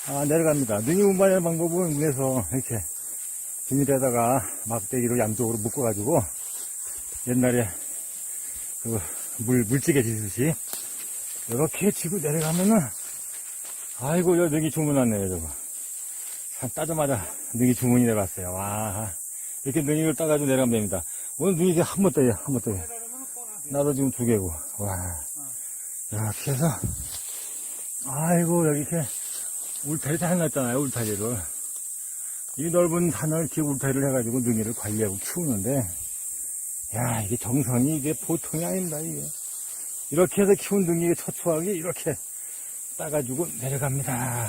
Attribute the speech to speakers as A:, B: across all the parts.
A: 내려갑니다. 능이 운반하는 방법은 문에서 이렇게 비닐에다가 막대기로 양쪽으로 묶어가지고 옛날에 그 물찌개 지듯이 이렇게 지고 내려가면은 아이고 여 능이 주문 왔네요. 저거 산 따자마자 능이 주문이 내려왔어요. 와 이렇게 능이를 따가지고 내려가면 됩니다. 오늘 능이 한 번 떠요. 한 번 떠요. 나도 지금 2개고 와 이렇게 해서 아이고 여기 이렇게 울타리 다 해놨잖아요. 울타리를 이 넓은 산을 이렇게 울타리를 해가지고 능이를 관리하고 키우는데 야 이게 정성이 이게 보통이 아닙니다. 이게 이렇게 해서 키운 능이가 처초하게 이렇게 따가지고 내려갑니다.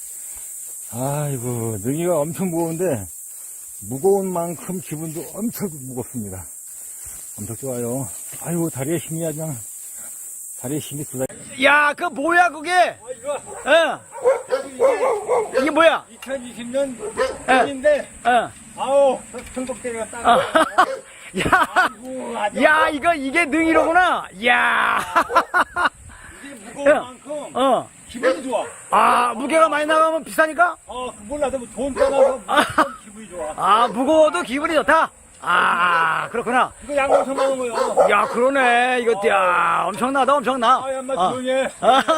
A: 아이고 능이가 엄청 무거운데 무거운 만큼 기분도 엄청 무겁습니다. 엄청 좋아요. 아이고 다리에 힘이 그냥 다리에 힘이 들어.
B: 야, 그 뭐야 그게?
C: 이거
B: 이게 뭐야?
C: 2020년
B: 예.
C: 인데
B: 어.
C: 아우 청국대가 딱
B: 야, 이게 능이로구나. 야.
C: 이게 무거운 만큼 기분이 좋아.
B: 아, 무게가 많이 나가면 비싸니까?
C: 몰라도 돈 떠나서 기분이 좋아.
B: 아, 무거워도 기분이 좋다. 아, 그렇구나.
C: 이거 양 엄청 많은 거요.
B: 야, 그러네. 이거 야, 엄청나다, 엄청나.
C: 엄마 조용히 해.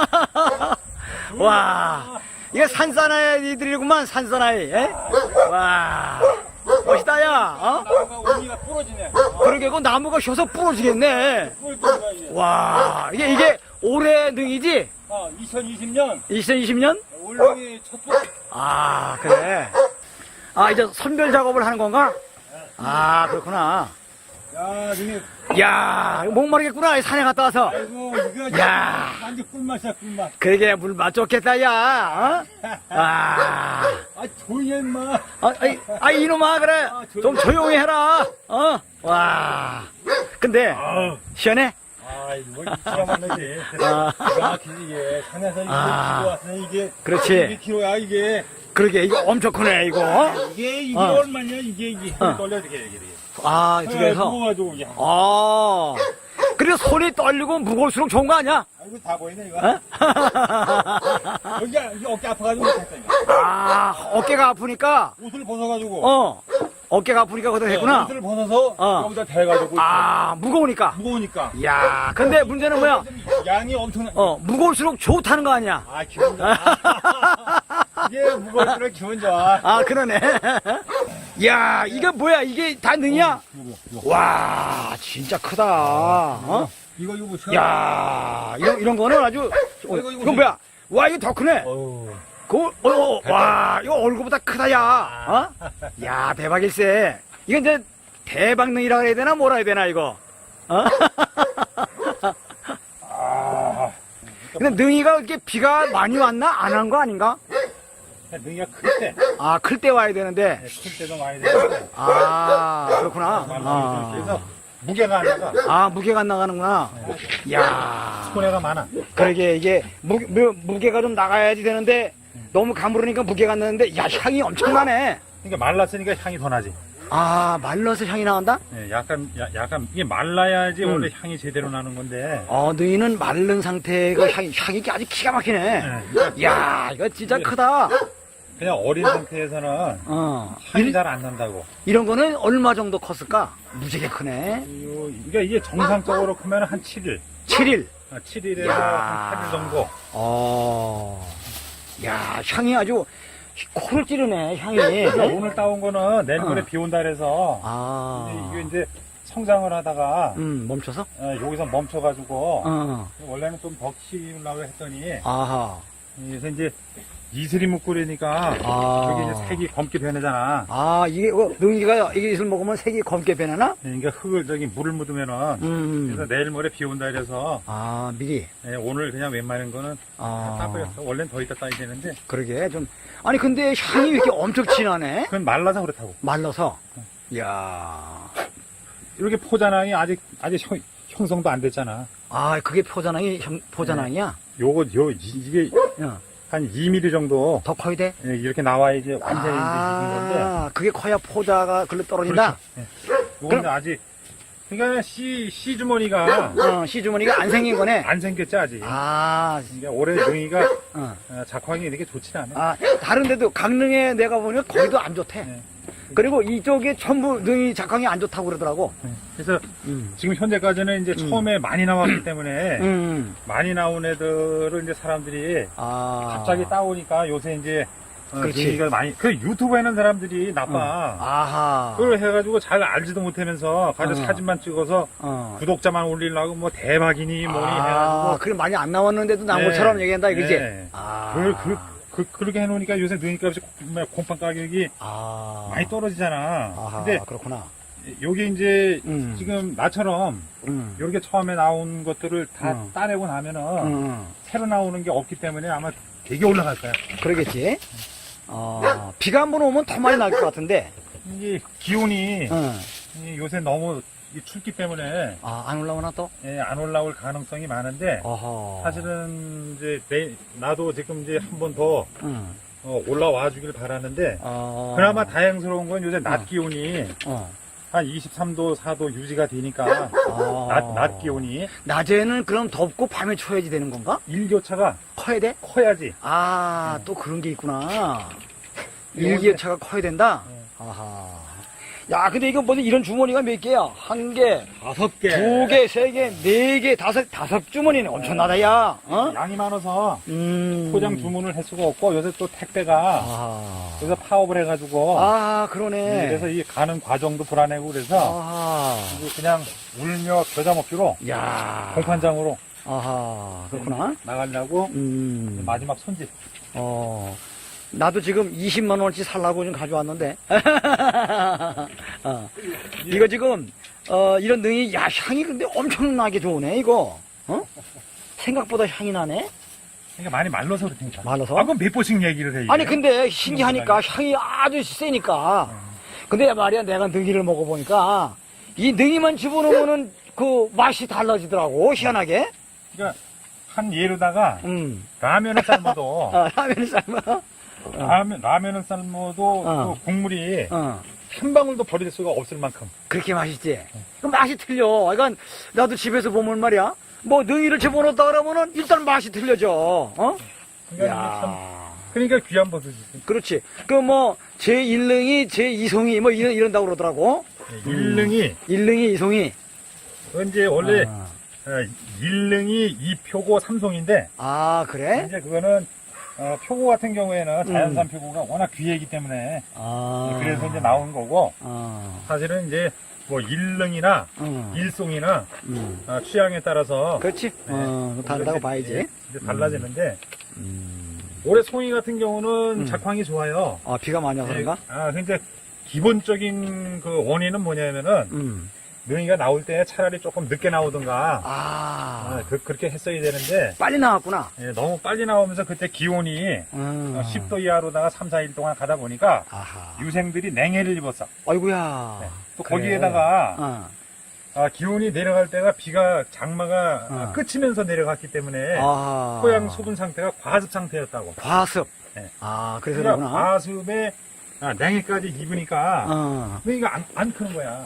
B: 와, 이게 산사나이들이구만, 산사나이. 에? 와, 멋있다, 야.
C: 나무가 온기가 부러지네.
B: 그러게, 그 나무가 셔서 부러지겠네.
C: 부러지는 거야 이게.
B: 와, 이게 올해 능이지?
C: 2020년
B: 2020년?
C: 올랑이 첫 번.
B: 아, 그래. 아, 이제 선별 작업을 하는 건가? 아, 그렇구나.
C: 야, 이게
B: 야, 목마르겠구나, 이 산에 갔다 와서.
C: 아이고 이거
B: 야.
C: 완전 꿀맛이야 꿀맛.
B: 그러게, 물 맛 좋겠다, 야. 어? 아.
C: 조용히 해 임마.
B: 이놈아, 그래. 좀 조용히 해라. 와. 근데, 시원해?
C: 이거 기가 막히지.
B: 아.
C: 기가 막히지 이게. 산에서 이거 키고 왔으니 이게.
B: 그렇지.
C: 2kg야 이게.
B: 그러게, 이거 엄청 크네, 이거.
C: 이게
B: 어.
C: 얼마냐 이게 떨려야 되게 이게.
B: 아, 두 개에서.
C: 무거워가지고 이게.
B: 그래서 손이 떨리고 무거울수록 좋은 거 아니야?
C: 이거 다 보이네 이거.
B: 어?
C: 여기 어깨 아파가지고 못했다 이거.
B: 아, 어깨가 아프니까,
C: 옷을 벗어가지고.
B: 어깨가 아프니까 거기다 했구나.
C: 옷을 벗어서 여기다 대가지고.
B: 무거우니까.
C: 무거우니까.
B: 야, 근데 문제는 뭐야?
C: 양이 엄청나.
B: 무거울수록 좋다는 거 아니야?
C: 기분 좋아. 이게 무거울수록 기분 좋아.
B: 아, 그러네. 야, 이게 뭐야? 이게 다 능이야?
C: 이거.
B: 와, 진짜 크다.
C: 이거 보세요.
B: 야, 이런 거는 아주, 이건 뭐야? 와, 이거 더 크네. 와, 이거 얼굴보다 크다, 야. 야, 대박일세. 이거 이제 대박능이라 해야 되나, 뭐라 해야 되나, 이거. 근데 능이가 이렇게 비가 많이 왔나? 안 한 거 아닌가?
C: 능이가 클 때.
B: 클 때 와야 되는데.
C: 클 때도 많이 되는데.
B: 그렇구나.
C: 그래서 무게가 안 나가.
B: 무게가 안 나가는구나. 야,
C: 손해가 많아.
B: 그러게, 이게, 무게가 좀 나가야지 되는데, 너무 가무르니까 무게가 안 나는데, 야, 향이 엄청나네.
C: 그러니까 말랐으니까 향이 더 나지.
B: 말라서 향이 나온다?
C: 네, 약간 이게 말라야지 원래 향이 제대로 나는 건데.
B: 너희는 마른 상태가 향이 아주 기가 막히네. 야, 이거 진짜 크다.
C: 그냥 어린 상태에서는 향이 잘 안 난다고.
B: 이런 거는 얼마 정도 컸을까? 무지개 크네.
C: 그러니까 이게 정상적으로 크면 한 7일.
B: 7일.
C: 7일에서 한 8일 정도.
B: 야, 향이 아주 코를 찌르네, 향이.
C: 그러니까 오늘 따온 거는 내일 모레 비 온다 그래서 이게 이제 성장을 하다가
B: 멈춰서?
C: 여기서 멈춰가지고 원래는 좀 더 키우려고 했더니 그래서 이제 이슬이 묵고리니까 여기 이제 색이 검게 변하잖아.
B: 이게 능이가 이게 이슬 먹으면 색이 검게 변하나?
C: 그러니까 흙을 물을 묻으면은 그래서 내일 모레 비 온다 그래서
B: 미리.
C: 오늘 그냥 웬만한 거는 따버렸어. 원래는 더 있다 따야 되는데.
B: 그러게 좀 아니 근데 향이 왜 이렇게 엄청 진하네?
C: 그건 말라서 그렇다고.
B: 말라서. 야.
C: 이렇게 포자낭이 아직 형성도 안 됐잖아.
B: 그게 포자낭이야?
C: 이게 한 2mm 정도
B: 더 커야 돼?
C: 이렇게 나와야지 완전히 익은 건데.
B: 그게 커야 포자가 글로 떨어진다?
C: 그렇죠. 요거는 아직 그러니까 씨 주머니가
B: 시주머니가 안 생긴 거네.
C: 안 생겼지 아직.
B: 아,
C: 그러니까 올해 능이가
B: 어.
C: 작황이 이렇게 좋진 않아.
B: 아, 다른 데도 강릉에 내가 보니까 거기도 안 좋대.
C: 네.
B: 그리고 이쪽에 전부 능이 작황이 안 좋다고 그러더라고.
C: 그래서
B: 음.
C: 지금 현재까지는 이제 처음에 많이 나왔기 때문에 많이 나온 애들을 이제 사람들이
B: 아.
C: 갑자기 따오니까 요새 이제
B: 그렇지.
C: 능이가 많이 그 유튜브에 있는 사람들이 나빠.
B: 아하.
C: 그걸 해가지고 잘 알지도 못하면서 가서 사진만 찍어서 구독자만 올리려고 뭐 대박이니 뭐니 해가지고
B: 그래 많이 안 나왔는데도 나온 것처럼 얘기한다 이거지?
C: 네.
B: 아.
C: 그렇게 해놓으니까 요새 능이값이 콩팥 가격이 많이 떨어지잖아.
B: 아하,
C: 근데
B: 그렇구나.
C: 요게 이제 지금 나처럼 요렇게 처음에 나온 것들을 다 따내고 나면은 새로 나오는 게 없기 때문에 아마 되게 올라갈 거야.
B: 그러겠지? 비가 한 번 오면 더 많이 날 것 같은데.
C: 이게 기온이 요새 너무 춥기 때문에
B: 안 올라오나 또?
C: 안 올라올 가능성이 많은데
B: 어허.
C: 사실은 이제 나도 지금 이제 한 번 더 올라와 주길 바라는데 그나마 다행스러운 건 요새 낮 기온이 한 23도, 4도 유지가 되니까 낮 기온이
B: 낮에는 그럼 덥고 밤에 추워야지 되는 건가?
C: 일교차가
B: 커야 돼?
C: 커야지.
B: 또 그런 게 있구나. 일기차가 커야 된다? 아하. 야, 근데 이거 뭐지? 이런 주머니가 몇 개야? 한 개,
C: 5개,
B: 2개, 3개, 4개, 5 주머니네. 엄청나다, 야.
C: 양이 많아서 포장 주문을 할 수가 없고 요새 또 택배가 그래서 파업을 해가지고
B: 그러네.
C: 그래서 이 가는 과정도 불안하고 그래서 이제 그냥 울며 겨자 먹기로
B: 야.
C: 공판장으로
B: 그렇구나.
C: 나가려고 마지막 손짓.
B: 나도 지금 20만원어치 살라고 좀 가져왔는데. 이거 지금, 이런 능이, 야, 향이 근데 엄청나게 좋으네, 이거. 생각보다 향이 나네?
C: 그러니까 많이 말라서 그렇다니까.
B: 말라서?
C: 그럼 몇 번씩 얘기를 해.
B: 아니, 근데 신기하니까 향이 아주 세니까. 근데 말이야, 내가 능이를 먹어보니까, 이 능이만 집어넣으면은 그 맛이 달라지더라고, 희한하게.
C: 그러니까 한 예로다가 라면을 삶아도
B: 라면을 삶아?
C: 라면을 삶아도 그 국물이 한 방울도 버릴 수가 없을 만큼
B: 그렇게 맛있지? 그 맛이 틀려. 그러니까 나도 집에서 보면 말이야, 뭐 능이를 집어넣었다 그러면은 일단 맛이 틀려져.
C: 그러니까 귀한 버섯이지.
B: 그렇지. 그 뭐 제1능이 제2송이 뭐 이런다고 그러더라고.
C: 일능이
B: 2송이.
C: 이제 원래 1능이 2표고 3송인데
B: 그래?
C: 이제 그거는 표고 같은 경우에는 자연산 표고가 워낙 귀하기 때문에 그래서 이제 나온 거고 사실은 이제 뭐 1능이나 1송이나 취향에 따라서
B: 그렇지. 다르다고 봐야지.
C: 이제 달라지는데 올해 송이 같은 경우는 작황이 좋아요.
B: 비가 많이 와서 그런가?
C: 근데 기본적인 그 원인은 뭐냐면은 능이가 나올 때 차라리 조금 늦게 나오든가 그렇게 했어야 되는데
B: 빨리 나왔구나.
C: 너무 빨리 나오면서 그때 기온이 10도 이하로다가 3, 4일 동안 가다 보니까 유생들이 냉해를 입었어.
B: 아이고야.
C: 또 거기에다가 기온이 내려갈 때가 비가 장마가 끝이면서 내려갔기 때문에 토양 수분 상태가 과습 상태였다고.
B: 과습.
C: 네.
B: 그래서
C: 그러니까
B: 그러구나.
C: 과습에 냉해까지 입으니까 능이가 안 크는 거야.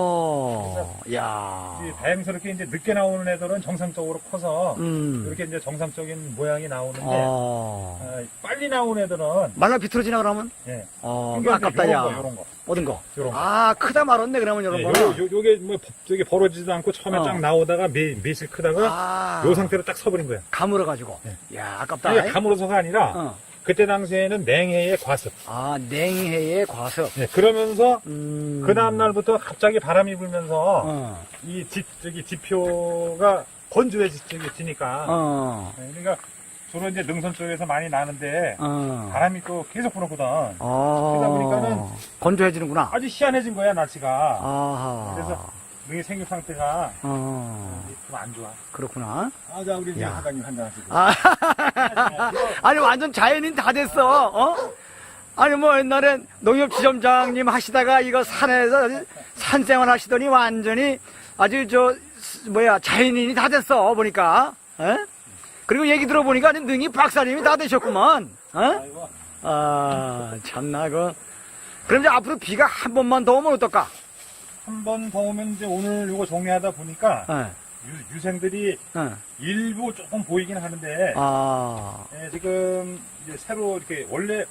B: 야.
C: 다행스럽게 이제 늦게 나오는 애들은 정상적으로 커서 이렇게 이제 정상적인 모양이 나오는데 빨리 나오는 애들은
B: 말라 비틀어지나 그러면?
C: 그러니까
B: 아깝다, 야.
C: 요런 거.
B: 얻은 거.
C: 요런 거.
B: 크다 말았네, 그러면 요런 거.
C: 요게 뭐 저기 벌어지지도 않고 처음에 쫙 나오다가 매실 크다가 요 상태로 딱 서버린 거야.
B: 가물어가지고. 야, 아깝다.
C: 이게 가물어서가 아니라 그때 당시에는 냉해의 과습.
B: 냉해의 과습.
C: 그러면서 그 다음 날부터 갑자기 바람이 불면서 이 지표가 건조해지니까. 그러니까 주로 이제 능선 쪽에서 많이 나는데 바람이 또 계속 불었거든. 그러다 보니까는
B: 건조해지는구나.
C: 아주 희한해진 거야 날씨가. 그래서 능이 생육 상태가 좀 안 좋아.
B: 그렇구나.
C: 자 우리 사장님 한잔 하시고.
B: 아니 완전 자연인 다 됐어. 아니 뭐 옛날엔 농협지점장님 하시다가 이거 산에서 산생활 하시더니 완전히 아주 자연인이 다 됐어 보니까. 그리고 얘기 들어보니까 능이 박사님이 다 되셨구만. 참나 그럼 이제 앞으로 비가 한 번만 더 오면 어떨까?
C: 한 번 더 오면 이제 오늘 이거 정리하다 보니까 유생들이 일부 조금 보이긴 하는데 예, 지금 이제 새로 이렇게 원래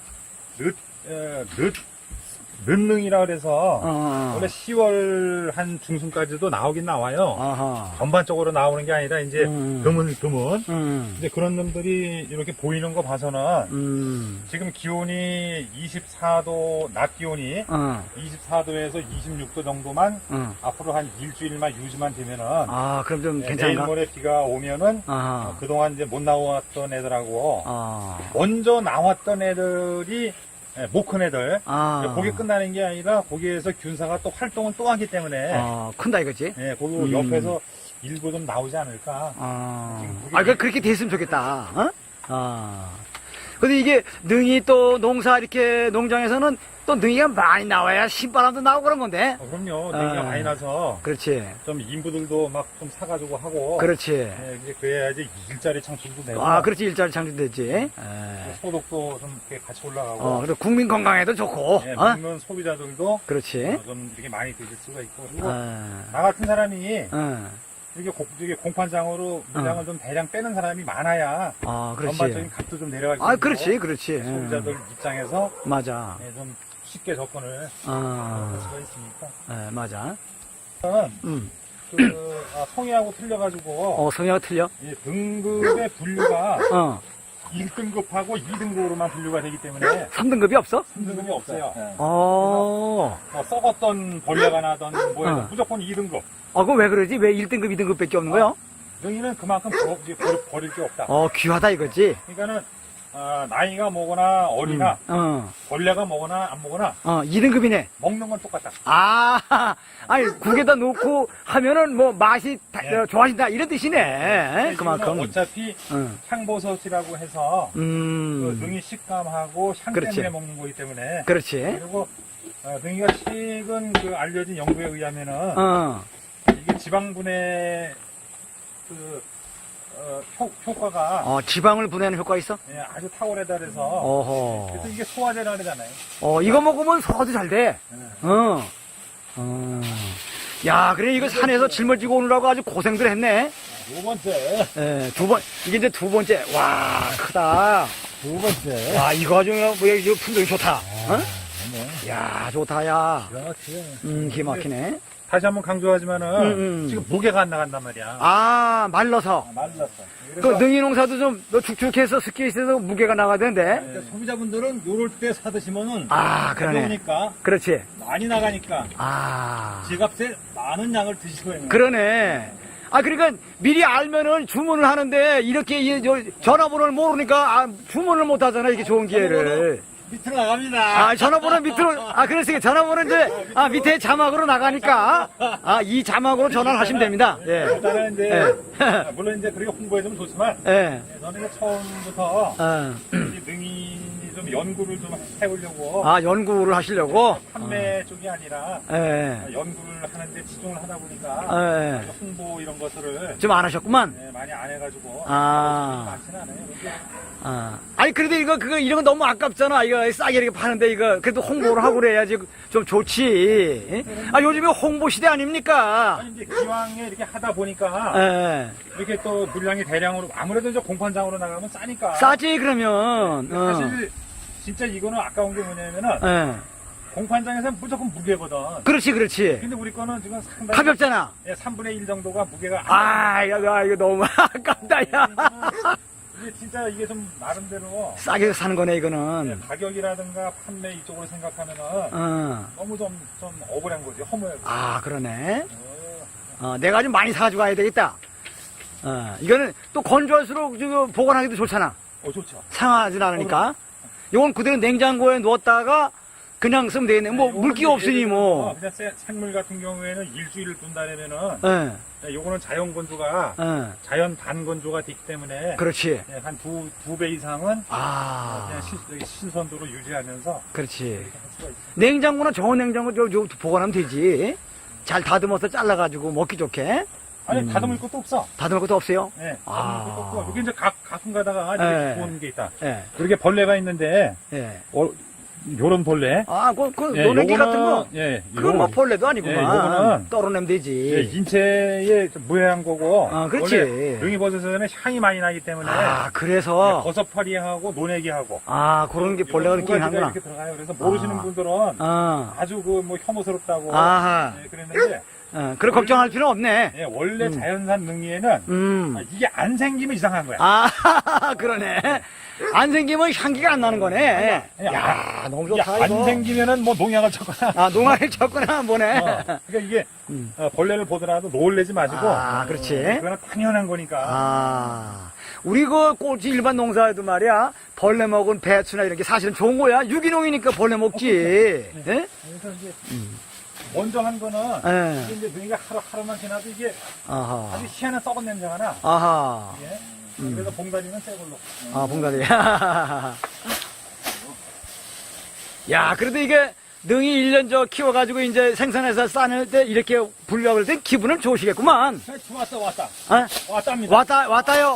C: 늦능이라 그래서 원래 10월 한 중순까지도 나오긴 나와요. 전반적으로 나오는 게 아니라 이제 드문 이제 그런 놈들이 이렇게 보이는 거 봐서는 지금 기온이 24도 낮 기온이 24도에서 26도 정도만 앞으로 한 일주일만 유지만 되면은
B: 그럼 좀
C: 내일
B: 괜찮은가?
C: 모레 비가 오면은 그동안 이제 못 나왔던 애들하고 먼저 나왔던 애들이 못 큰 애들 거기 끝나는 게 아니라 거기에서 균사가 또 활동을 또 하기 때문에
B: 큰다 이거지?
C: 예, 거기 옆에서 일부 좀 나오지 않을까.
B: 그렇게 됐으면 좋겠다. 근데 이게 능이 또 농사 이렇게 농장에서는 또 능이가 많이 나와야 신바람도 나오고 그런 건데.
C: 그럼요. 능이가 많이 나서
B: 그렇지.
C: 좀 인부들도 막 좀 사가지고 하고.
B: 그렇지.
C: 예, 이제 그래야지 일자리 창출도 되고.
B: 그렇지. 일자리 창출되지.
C: 소득도 좀 이렇게 같이 올라가고.
B: 그리고 국민 건강에도 좋고.
C: 예, 먹는 소비자들도
B: 그렇지.
C: 좀 이렇게 많이 드실 수가 있고. 그리고 나 같은 사람이 이렇게 공판장으로 물량을 좀 대량 빼는 사람이 많아야
B: 그렇지.
C: 전반적인 값도 좀 내려가기
B: 그렇지. 그렇지.
C: 소비자들 입장에서
B: 맞아.
C: 예, 좀 쉽게 접근을 할 수가 있으니까.
B: 맞아.
C: 성의하고 틀려가지고
B: 성향이 틀려?
C: 이 등급의 분류가 1등급하고 2등급으로만 분류가 되기 때문에
B: 3등급이 없어?
C: 3등급이 없어요.
B: 어.
C: 뭐 썩었던 벌레가 나던 뭐야 무조건 2등급.
B: 그럼 왜 그러지? 왜 1등급, 2등급밖에 없는 거야?
C: 능이는 그만큼 버릴 게 없다.
B: 귀하다 이거지?
C: 그러니까는 나이가 뭐거나 어리나 벌레가 뭐거나 안 뭐거나
B: 2등급이네.
C: 먹는 건 똑같다.
B: 아니 국에다 놓고 하면은 뭐 맛이 좋아진다 이런 뜻이네. 그만큼.
C: 어차피 향버섯이라고 해서 그 능이 식감하고 향
B: 그렇지.
C: 때문에 먹는 거기 때문에.
B: 그렇지.
C: 그리고 능이가 최근 그 알려진 연구에 의하면은 이게 지방분해 효과가
B: 지방을 분해하는 효과가 있어?
C: 예, 아주 탁월하다 그래서 그래서 이게 소화제라 그러잖아요.
B: 이거 먹으면 소화도 잘 돼. 야, 그래 이거 산에서 짊어지고 오느라고 아주 고생들 했네.
C: 두 번째.
B: 이게 이제 두 번째. 와, 크다.
C: 두 번째.
B: 와, 이거 아주 이거 품종이 좋다. 야, 좋다, 야.
C: 그렇지.
B: 기가 막히네.
C: 다시 한번 강조하지만은 지금 무게가 안 나간단 말이야.
B: 말라서.
C: 말랐어.
B: 그 능이 농사도 좀 축축해서 습기에 있어서 무게가 나가던데.
D: 그러니까 소비자분들은 요럴 때 사드시면은
B: 그러네.
D: 가벼우니까
B: 그렇지.
D: 많이 나가니까 지갑에 많은 양을 드시고
B: 그러네. 그러니까 미리 알면은 주문을 하는데 이렇게 전화번호를 모르니까 주문을 못 하잖아. 이렇게 좋은 기회를.
D: 밑으로 나갑니다.
B: 전화번호 밑으로, 그래서 전화번호 이제, 밑에 자막으로 나가니까, 이 자막으로 전화를 하시면 됩니다. 예.
C: 일단은 이제, 물론 이제 그렇게 홍보해주면 좋지만, 저는 이제 처음부터, 이 능이 좀 연구를 좀 해보려고.
B: 연구를 하시려고?
C: 판매 쪽이 아니라, 연구를 하는데 치중을 하다 보니까, 홍보 이런 것들을.
B: 좀 안 하셨구만?
C: 많이 안 해가지고. 많지는 않아요.
B: 그래도 이런 거 너무 아깝잖아. 이거 싸게 이렇게 파는데 이거 그래도 홍보를 하고 그래야지 좀 좋지. 요즘에 홍보 시대 아닙니까?
C: 이제 기왕에 이렇게 하다 보니까 이렇게 또 물량이 대량으로 아무래도 이제 공판장으로 나가면 싸니까.
B: 싸지 그러면.
C: 사실 진짜 이거는 아까운 게 뭐냐면은 공판장에서는 무조건 무게거든.
B: 그렇지.
C: 근데 우리 거는 지금 상당히
B: 가볍잖아.
C: 3분의 1 정도가 무게가
B: 이거 너무 아깝다 야.
C: 이게 진짜 이게 좀 나름대로
B: 싸게 사는 거네 이거는.
C: 가격이라든가 판매 이쪽으로 생각하면은 너무 좀 억울한 거지. 허무해.
B: 그러네. 내가 좀 많이 사가지고 가야 되겠다. 이거는 또 건조할수록 보관하기도 좋잖아.
C: 좋죠.
B: 상하진 않으니까. 이건 그대로 냉장고에 넣었다가 그냥 쓰면 되겠네. 물기가 없으니 뭐.
C: 그냥 생물 같은 경우에는 일주일을 둔다면은 요거는 자연 건조가 자연 반건조가 되기 때문에
B: 그렇지.
C: 한 두 배 이상은 그냥 신선도로 유지하면서
B: 그렇지.
C: 할 수가 있어요.
B: 냉장고나 저온 냉장고 보관하면 되지. 잘 다듬어서 잘라가지고 먹기 좋게.
C: 다듬을 것도 없어.
B: 다듬을 것도 없어요?
C: 네, 다듬을 것도 없고. 여기 이제 가끔 가다가 이렇게 좋은 게 있다.
B: 예.
C: 이렇게 벌레가 있는데 요런 벌레.
B: 그 노래기 같은 거?
C: 예.
B: 그건 뭐 벌레도 아니구만.
C: 예, 요거는
B: 떨어내면
C: 예,
B: 되지.
C: 인체의 좀 무해한 거고.
B: 그렇지.
C: 원래 능이버섯은 향이 많이 나기 때문에.
B: 그래서.
C: 버섯파리하고 노내기하고.
B: 그런 게 벌레가
C: 두
B: 느끼긴
C: 가지가
B: 하구나.
C: 이렇게 들어가요. 그래서 모르시는 분들은 아주 그 뭐 혐오스럽다고. 예, 그랬는데.
B: 그래 걱정할 필요는 없네.
C: 예, 원래 자연산 능이에는 이게 안 생기면 이상한 거야.
B: 그러네. 안 생기면 향기가 안 나는 거네. 야, 너무 좋다,
C: 안
B: 이거.
C: 생기면은 뭐 농약을 쳤거나.
B: 농약을 쳤구나, 뭐네.
C: 그러니까 이게 벌레를 보더라도 놀래지 마시고.
B: 그렇지.
C: 그거는 당연한 거니까.
B: 우리 그 꽃이 일반 농사에도 말이야, 벌레 먹은 배추나 이런 게 사실은 좋은 거야. 유기농이니까 벌레 먹지. 예?
C: 그래서 이제 먼저 한 거는 이게 이제 능이가 하루만 지나도 이게 아주 희한한 썩은 냄새가 나. 예? 그래서 봉다리는 새 걸로.
B: 봉다리. 야, 그래도 이게 능이 1년 저 키워가지고 이제 생산해서 싸낼 때 이렇게 분류할 때 기분은 좋으시겠구만.
C: 왔답니다.
B: 왔다요?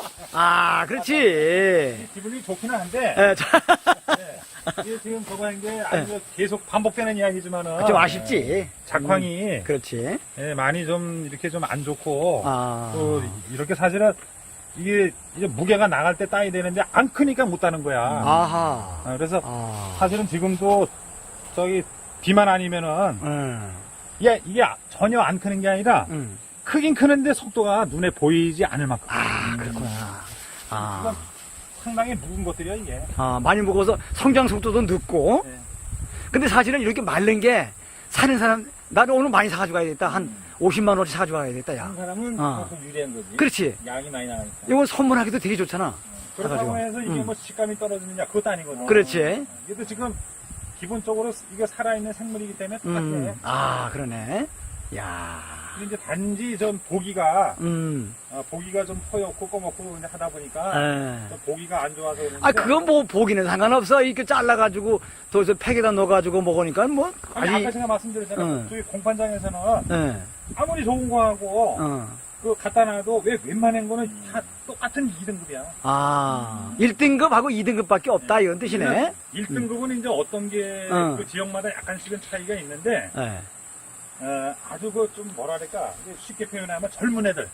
B: 그렇지.
C: 기분이 좋기는 한데.
B: 예,
C: 이게 지금 저거 한 게 아주 계속 반복되는 이야기지만은.
B: 좀 아쉽지.
C: 작황이.
B: 그렇지.
C: 예, 많이 좀 이렇게 좀 안 좋고.
B: 아.
C: 또 이렇게 사실은 이게 이제 무게가 나갈 때 따야 되는데 안 크니까 못 따는 거야.
B: 아하.
C: 그래서 사실은 지금도 저기 비만 아니면은 이게 전혀 안 크는 게 아니라 크긴 크는데 속도가 눈에 보이지 않을 만큼.
B: 그렇구나.
C: 이건 상당히 묵은 것들이야 이게.
B: 많이 먹어서 성장 속도도 늦고.
C: 네.
B: 근데 사실은 이렇게 마른 게 사는 사람, 나는 오늘 많이 사가지고 가야겠다. 한 50만 원어치 사가지고 가야겠다, 야.
C: 한 사람은 그만큼 유리한 거지.
B: 그렇지.
C: 양이 많이 나가니까.
B: 이거 선물하기도 되게 좋잖아.
C: 그렇다고
B: 사가지고.
C: 해서 이게 뭐 식감이 떨어지느냐 그것도 아니거든.
B: 그렇지.
C: 이것도 지금 기본적으로 이게 살아있는 생물이기 때문에 똑같아.
B: 그러네. 야.
C: 근데 이제 단지 좀 보기가 보기가 좀 허옇고 검었고 이제 하다 보니까 좀 보기가 안 좋아서 그러는데.
B: 그건 뭐 보기는 상관없어. 이렇게 잘라가지고 또 팩에다 넣어가지고 먹으니까 뭐.
C: 아까 제가 말씀드렸잖아요. 저기 공판장에서는 아무리 좋은 거하고 그 갖다 놔도 왜 웬만한 거는 다 똑같은 2등급이야.
B: 1등급하고 2등급밖에 없다 이런 뜻이네.
C: 1등급은 이제 어떤 게 그 지역마다 약간씩은 차이가 있는데 아주 그 좀 뭐랄까 쉽게 표현하면 젊은 애들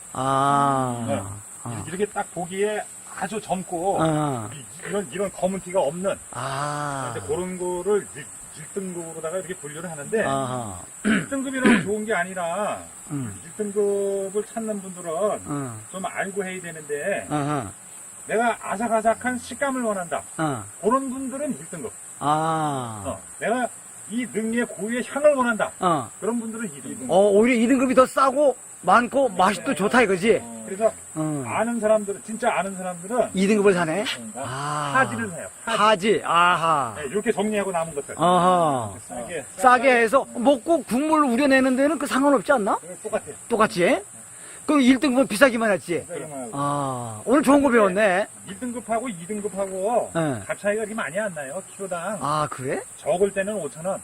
C: 이렇게 딱 보기에 아주 젊고 이런 검은 티가 없는 이제 그런 거를 1등급으로다가 이렇게 분류를 하는데 1등급이라고 좋은 게 아니라 1등급을 찾는 분들은 좀 알고 해야 되는데 내가 아삭아삭한 식감을 원한다. 그런 분들은 1등급. 내가 이 능이의 고유의 향을 원한다. 그런 분들은 2등급.
B: 오히려 2등급이 더 싸고 많고 맛이 또 좋다 이거지.
C: 그래서 아는 사람들은 진짜 아는 사람들은
B: 2등급을 사네.
C: 하지를 해요.
B: 하지. 아하.
C: 네, 이렇게 정리하고 남은 것들.
B: 싸게 해서 먹고 국물 우려내는 데는 그 상관없지 않나?
C: 똑같아요.
B: 똑같지? 그럼 1등급은 비싸기만 했지. 오늘 좋은 거 배웠네.
C: 1등급하고 2등급하고 값 차이가 그렇게 많이 안 나요. 키로당.
B: 그래?
C: 적을 때는 5,000원.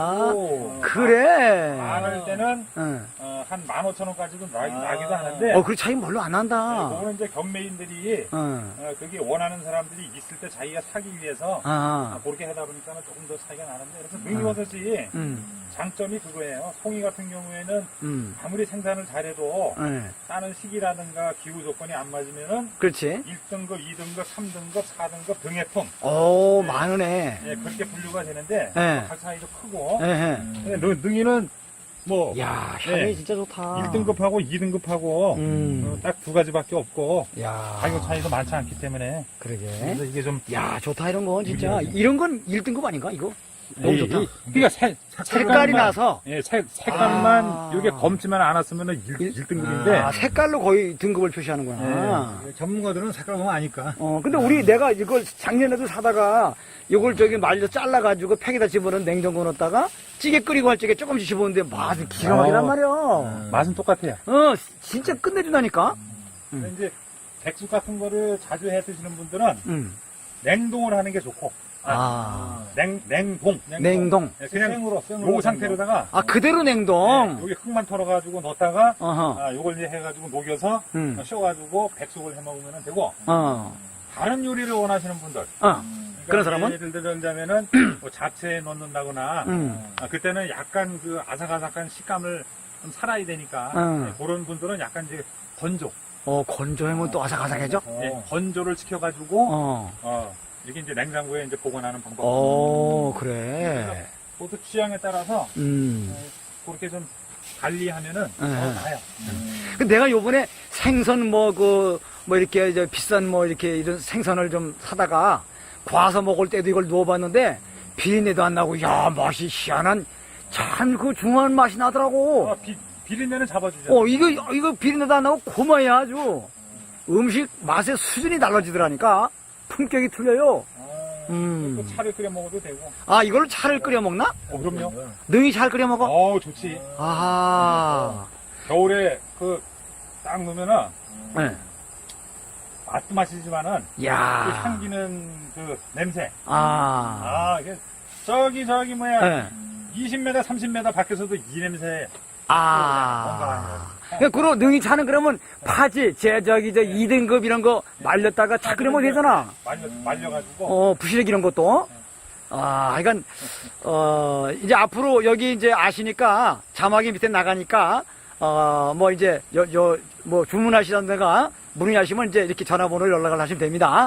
B: 그래.
C: 많을 때는 한 15,000원까지도 나기도 하는데.
B: 그 차이 별로 안 난다.
C: 그거는 이제 경매인들이 그게 원하는 사람들이 있을 때 자기가 사기 위해서 그렇게 하다 보니까 조금 더 차이가 나는데 그래서 능이버섯이 장점이 그거예요. 송이 같은 경우에는 아무리 생산을 잘해도 따는 시기라든가 기후 조건이 안 맞으면은
B: 그렇지.
C: 1등급, 2등급, 3등급, 4등급 등해품.
B: 많으네.
C: 그렇게 분류가 되는데 각 차이도 크고. 능이는 뭐
B: 향이 진짜 좋다.
C: 1등급하고 2등급하고 딱 두 가지밖에 없고 가격 차이도 많지 않기 때문에
B: 그러게.
C: 그래서 이게 좀
B: 좋다 이런 건 진짜. 이런 건 1등급 아닌가 이거? 너무 좋다.
C: 그러니까
B: 색깔이 나서.
C: 색깔만 이게 검지만 않았으면 1등급인데
B: 색깔로 거의 등급을 표시하는구나.
A: 전문가들은 색깔 보면 아니까.
B: 근데 내가 이걸 작년에도 사다가 이걸 말려 잘라가지고 팩에다 집어넣은 냉장고 넣었다가 찌개 끓이고 할 적에 조금씩 집어넣는데 맛이 기가 막히단 말이야.
C: 맛은 똑같아요.
B: 진짜 끝내준다니까.
C: 근데 이제 백숙 같은 거를 자주 해 드시는 분들은 냉동을 하는 게 좋고. 냉동.
B: 냉동.
C: 그냥 요 상태로다가.
B: 그대로 냉동.
C: 여기 흙만 털어가지고 넣었다가, 요걸 이제 해가지고 녹여서, 쉬어가지고 백숙을 해 먹으면 되고, 다른 요리를 원하시는 분들,
B: 그런 사람은?
C: 예를 들자면은 뭐 잡채에 넣는다거나 그때는 약간 그 아삭아삭한 식감을 좀 살아야 되니까 그런 분들은 약간 이제 건조.
B: 건조하면 또 아삭아삭해져?
C: 건조를 시켜가지고 이게 이제 냉장고에 이제 보관하는 방법.
B: 그래.
C: 그것도 취향에 따라서 그렇게 좀 관리하면은 나아요.
B: 근데 내가 요번에 생선 이렇게 이제 비싼 이렇게 이런 생선을 좀 사다가 과서 먹을 때도 이걸 누워봤는데 비린내도 안 나고, 야, 맛이 희한한, 참 그 중후한 맛이 나더라고.
C: 비린내는 잡아주죠.
B: 이거 비린내도 안 나고 고마야 아주. 음식 맛의 수준이 달라지더라니까. 품격이 틀려요.
C: 또 차를 끓여 먹어도 되고.
B: 이걸 차를 끓여 먹나?
C: 그럼요.
B: 능이 잘 끓여 먹어?
C: 좋지.
B: 아하.
C: 겨울에 딱 넣으면은
B: 네.
C: 맛도 맛이지만은 그
B: 야.
C: 향기는 그 냄새. 이게 저기 뭐야.
B: 네.
C: 20m, 30m 밖에서도 이 냄새.
B: 그럼 능이 차는 그러면 파지, 저 2등급 이런 거 말렸다가 차 끓여 먹으면 되잖아.
C: 말려가지고.
B: 부시래기 이런 것도. 그러니까, 이제 앞으로 여기 이제 아시니까 자막이 밑에 나가니까, 이제, 주문하시던가, 문의하시면 이제 이렇게 전화번호를 연락을 하시면 됩니다.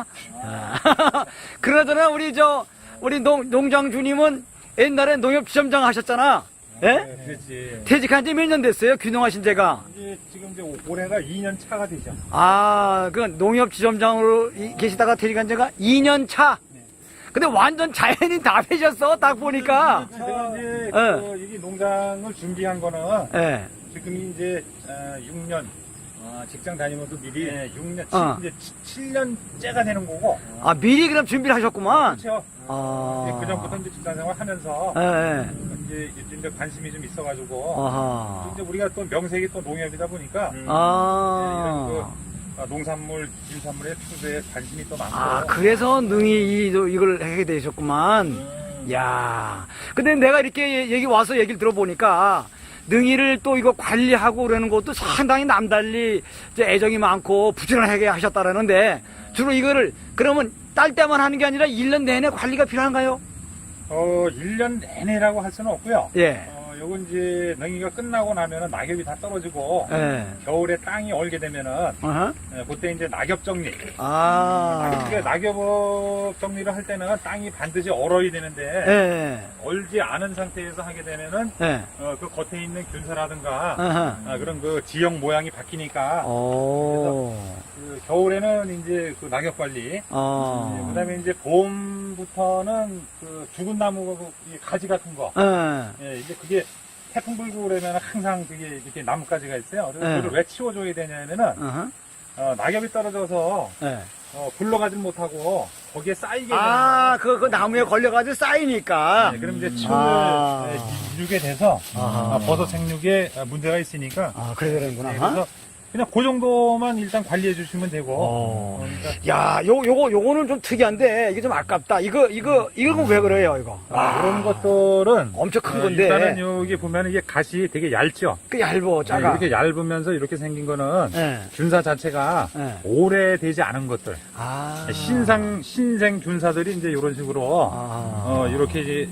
B: 그러더나 우리 농장주님은 옛날에 농협지점장 하셨잖아. 예?
C: 그렇지.
B: 퇴직한 지 몇 년 됐어요? 귀농하신 제가.
C: 지금 이제 올해가 2년 차가 되죠.
B: 그 농협지점장으로 계시다가 퇴직한 지가 2년 차. 근데 완전 자연인 다 되셨어, 딱 보니까.
C: 제가 이제 이 농장을 준비한 거는 지금 이제 6년 직장 다니면서 미리 6년, 이제 7년째가 되는 거고.
B: 미리 그럼 준비를 하셨구만.
C: 그렇죠. 그 전부터 이제 직장 생활 하면서 이제 관심이 좀 있어가지고 이제 우리가 또 명색이 또 농협이다 보니까 이런 농산물, 유산물의 추수에 관심이 또 많고.
B: 그래서 능이 이걸 하게 되셨구만. 야. 근데 내가 이렇게 와서 얘기를 들어보니까 능이를 또 이거 관리하고 그러는 것도 상당히 남달리 이제 애정이 많고 부지런하게 하셨다라는데 주로 이거를 그러면 딸 때만 하는 게 아니라 1년 내내 관리가 필요한가요?
C: 1년 내내라고 할 수는 없고요.
B: 예.
C: 요건 이제 능이가 끝나고 나면은 낙엽이 다 떨어지고 겨울에 땅이 얼게 되면은 그때 이제 낙엽 정리. 낙엽 정리를 할 때는 땅이 반드시 얼어야 되는데 얼지 않은 상태에서 하게 되면은 그 겉에 있는 균사라든가 그런 그 지형 모양이 바뀌니까 그래서 그 겨울에는 이제 그 낙엽 관리. 그다음에 이제 봄부터는 그 죽은 나무 이 가지 같은 거. 이제 그게 태풍 불고 그러면 항상 그게 이렇게 나뭇가지가 있어요. 그래서 그걸 왜 치워줘야 되냐면은 낙엽이 떨어져서 굴러가질 못하고 거기에 쌓이게 되는
B: 그 나무에 걸려가지고 쌓이니까.
C: 그럼 이제 치우를 이루게 돼서 버섯 생육에 문제가 있으니까.
B: 그래야 되는구나.
C: 그래서 그냥 그 정도만 일단 관리해 주시면 되고.
B: 야, 요거는 좀 특이한데 이게 좀 아깝다. 이거 왜 그래요, 이거?
C: 그런 것들은
B: 엄청 큰 건데.
C: 일단은 여기 보면 이게 갓이 되게 얇죠.
B: 얇어, 작아.
C: 이렇게 얇으면서 이렇게 생긴 거는 균사 자체가 오래되지 않은 것들. 신생 균사들이 이제 이런 식으로 이렇게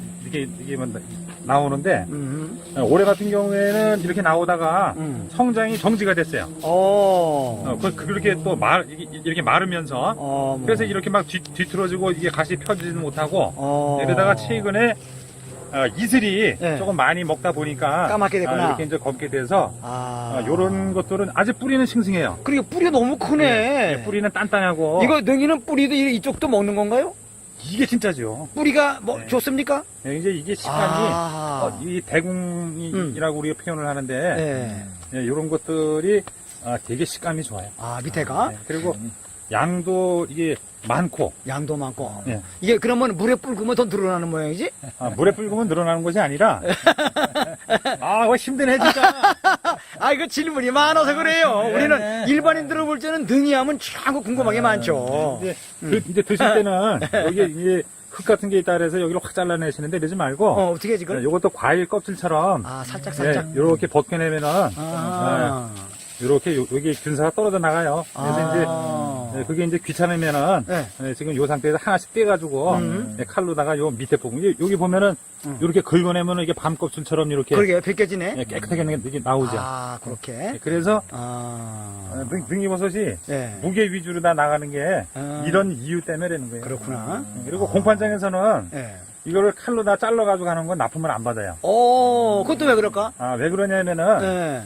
C: 나오는데 올해 같은 경우에는 이렇게 나오다가 성장이 정지가 됐어요. 그렇게 또 이렇게 마르면서 그래서 이렇게 막 뒤틀어지고 이게 갓이 펴지지는 못하고 이러다가 최근에 이슬이 조금 많이 먹다 보니까
B: 까맣게 됐구나.
C: 이렇게 이제 검게 돼서 이런 것들은 아직 뿌리는 싱싱해요.
B: 그리고 뿌리가 너무 크네.
C: 뿌리는 단단하고.
B: 이거 능이는 뿌리도 이쪽도 먹는 건가요?
C: 이게 진짜죠.
B: 뿌리가 좋습니까?
C: 이제 이게 식감이 이 대궁이라고 우리가 표현을 하는데 이런 것들이 되게 식감이 좋아요.
B: 밑에가?
C: 그리고 양도 이게 많고.
B: 양도 많고. 이게 그러면 물에 불구면 더 늘어나는 모양이지?
C: 물에 불구면 늘어나는 것이 아니라. 그거 힘드네, 진짜.
B: 이거 질문이 많아서 그래요. 우리는 일반인들을 볼 때는 능이 하면 참 궁금하게 많죠.
C: 이제 드실 때는 여기 이제 흙 같은 게 있다 그래서 여기를 확 잘라내시는데 이러지 말고.
B: 어떻게 해, 지금?
C: 요것도 과일 껍질처럼.
B: 살짝.
C: 이렇게 벗겨내면은. 이렇게 여기 균사가 떨어져 나가요. 그래서 이제 그게 이제 귀찮으면은
B: 네.
C: 지금 요 상태에서 하나씩 떼가지고 칼로다가 요 밑에 부분 여기 보면은 이렇게 긁어내면은 이게 밤껍질처럼 이렇게
B: 그러게, 벗겨지네.
C: 깨끗하게 이게 나오죠.
B: 아, 그렇게.
C: 그래서
B: 아.
C: 능이버섯이
B: 네.
C: 무게 위주로 다 나가는 게 이런 이유 때문에라는 거예요.
B: 그렇구나.
C: 그리고 공판장에서는
B: 네.
C: 이거를 칼로 다 잘라가지고 가는 건 납품을 안 받아요.
B: 그것도 왜 그럴까?
C: 왜 그러냐면은
B: 네.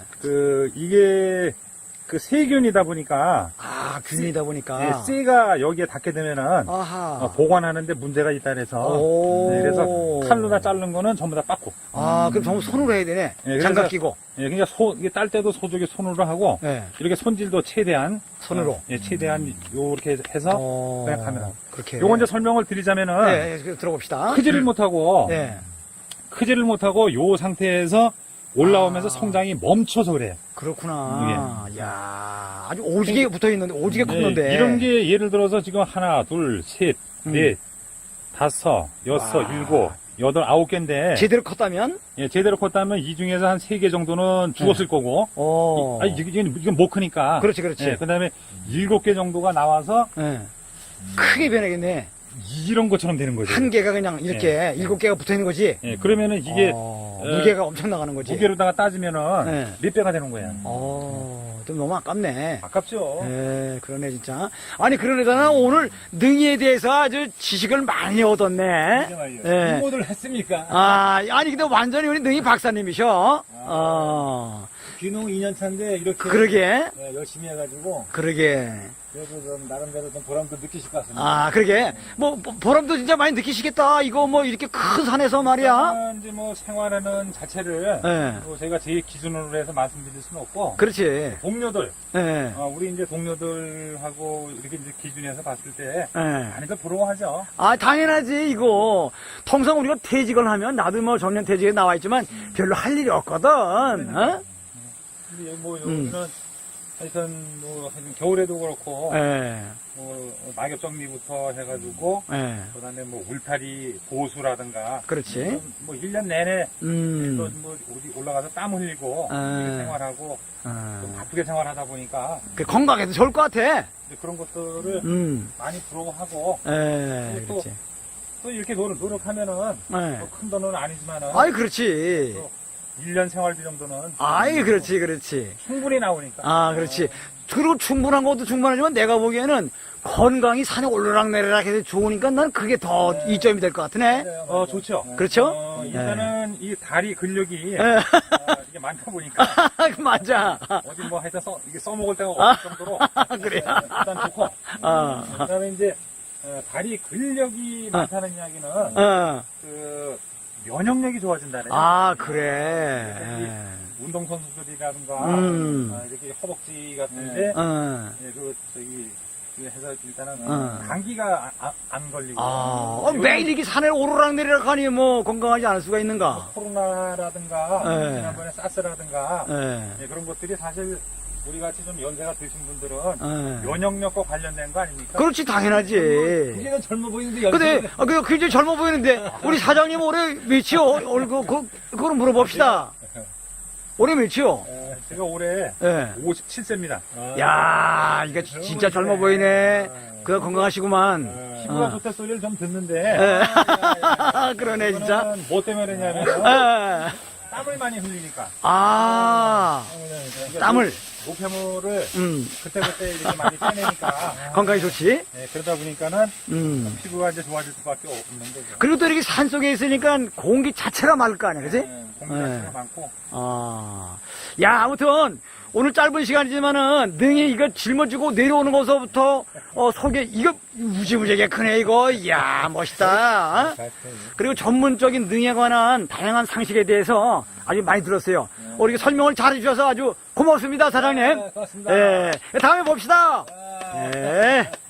C: 이게 세균이다 보니까
B: 균이다 보니까.
C: 씨가 여기에 닿게 되면은
B: 아하.
C: 보관하는데 문제가 있다 그래서 그래서 칼로 다 자른 거는 전부 다 빠꾸.
B: 그럼 전부 손으로 해야 되네.
C: 그래서
B: 장갑 끼고.
C: 그러니까 이게 딸 때도 소족이 손으로 하고
B: 네.
C: 이렇게 손질도 최대한
B: 손으로.
C: 최대한 요렇게 해서 그냥 가면.
B: 그렇게.
C: 요건 이제 설명을 드리자면은
B: 네, 들어봅시다.
C: 크지를 못하고
B: 네.
C: 크지를 못하고 요 상태에서 올라오면서 성장이 멈춰서 그래요.
B: 그렇구나. 야, 아주 오지게 붙어 있는데, 오지게 컸는데.
C: 이런 게 예를 들어서 지금 하나, 둘, 셋, 넷, 다섯, 여섯, 일곱, 여덟, 아홉 개인데
B: 제대로 컸다면?
C: 제대로 컸다면 이 중에서 한 3개 정도는 죽었을 거고 이건 못 크니까
B: 그렇지, 그렇지.
C: 그다음에 7개 정도가 나와서
B: 네. 크게 변하겠네.
C: 이런 것처럼 되는 거죠.
B: 한 개가 그냥 이렇게 7개가 붙어 있는 거지.
C: 그러면은 이게
B: 무게가 엄청 나가는 거지.
C: 무게로다가 따지면은 몇 배가 되는 거예요.
B: 좀 너무 아깝네.
C: 아깝죠.
B: 네, 그러네, 진짜. 아니, 그러네다나 오늘 능이에 대해서 아주 지식을 많이 얻었네. 네.
D: 홍보를 했습니까?
B: 아니, 근데 완전히 우리 능이 박사님이셔.
D: 귀농 2년 차인데 이렇게
B: 그러게.
D: 네, 열심히 해가지고
B: 그러게.
D: 그래도 좀 나름대로 좀 보람도 느끼실 것 같습니다.
B: 그러게. 보람도 진짜 많이 느끼시겠다. 이거 이렇게 큰 산에서 말이야.
C: 이제 생활하는 자체를
B: 네.
C: 제가 제 기준으로 해서 말씀드릴 수는 없고
B: 그렇지.
C: 동료들
B: 네.
C: 우리 이제 동료들하고 이렇게 이제 기준에서 봤을 때
B: 네.
C: 많이들 부러워하죠.
B: 당연하지, 이거. 통상 우리가 퇴직을 하면, 나도 정년 퇴직에 나와 있지만, 별로 할 일이 없거든,
C: 근데 여기는 하여튼 겨울에도 그렇고 낙엽 정리부터 해가지고 그다음에 울타리 보수라든가
B: 그렇지.
C: 1년 내내 또 어디 올라가서 땀 흘리고 이렇게 생활하고 좀 바쁘게 생활하다 보니까
B: 건강에도 좋을 것 같아.
C: 그런 것들을 많이 부러워하고
B: 그렇지.
C: 또 이렇게 노력하면은 큰 돈은 아니지만은
B: 그렇지.
C: 1년 생활비 정도는
B: 그렇지.
C: 충분히 나오니까.
B: 그렇지. 그리고 충분한 것도 충분하지만 내가 보기에는 건강이 산에 오르락내리락 해서 좋으니까 난 그게 더 이점이 될 것 같으네.
C: 좋죠.
B: 그렇죠?
C: 일단은 이 다리 근력이 이게 많다 보니까
B: 맞아.
C: 어디 하여튼 이게 써먹을 데가 없을 정도로
B: 그래.
C: 일단 좋고 그다음에 이제 다리 근력이 많다는 이야기는 면역력이 좋아진다네.
B: 그래.
C: 운동선수들이라든가 이렇게 허벅지 같은데 해서 일단은 감기가 안 걸리고
B: 매일 이렇게 산에 오르락내리락 하니 건강하지 않을 수가 있는가?
C: 코로나라든가 지난번에 사스라든가 그런 것들이 사실 우리 같이 좀 연세가 드신 분들은 면역력과 관련된 거 아닙니까?
B: 그렇지, 당연하지.
D: 그게는 젊어 보이는데
B: 근데 그게 젊어 보이는데 우리 사장님 올해 몇이요? 그걸 물어봅시다. 올해 몇이요?
C: 제가 올해 57세입니다.
B: 야, 이거 진짜 젊어 보이네. 건강하시구만.
C: 피부가 좋다 소리를 좀 듣는데
B: 그러네, 진짜.
C: 뭐 때문에 그러냐면 땀을 많이 흘리니까.
B: 땀을.
C: 노폐물을 그때그때 이렇게 많이 빼내니까
B: 건강이 좋지?
C: 그러다 보니까는 피부가 이제 좋아질 수밖에 없는 거죠.
B: 그리고 또 이렇게 산 속에 있으니까 공기 자체가 맑을 거 아니야, 그지?
C: 공기 자체가 많고.
B: 야, 아무튼 오늘 짧은 시간이지만은 능이 이거 짊어지고 내려오는 것서부터 속에 이거 무지무지하게 크네, 이거. 이야, 멋있다. 그리고 전문적인 능에 관한 다양한 상식에 대해서 아주 많이 들었어요. 이렇게 설명을 잘 해주셔서 아주 고맙습니다, 사장님.
D: 고맙습니다.
B: 다음에 봅시다. 네.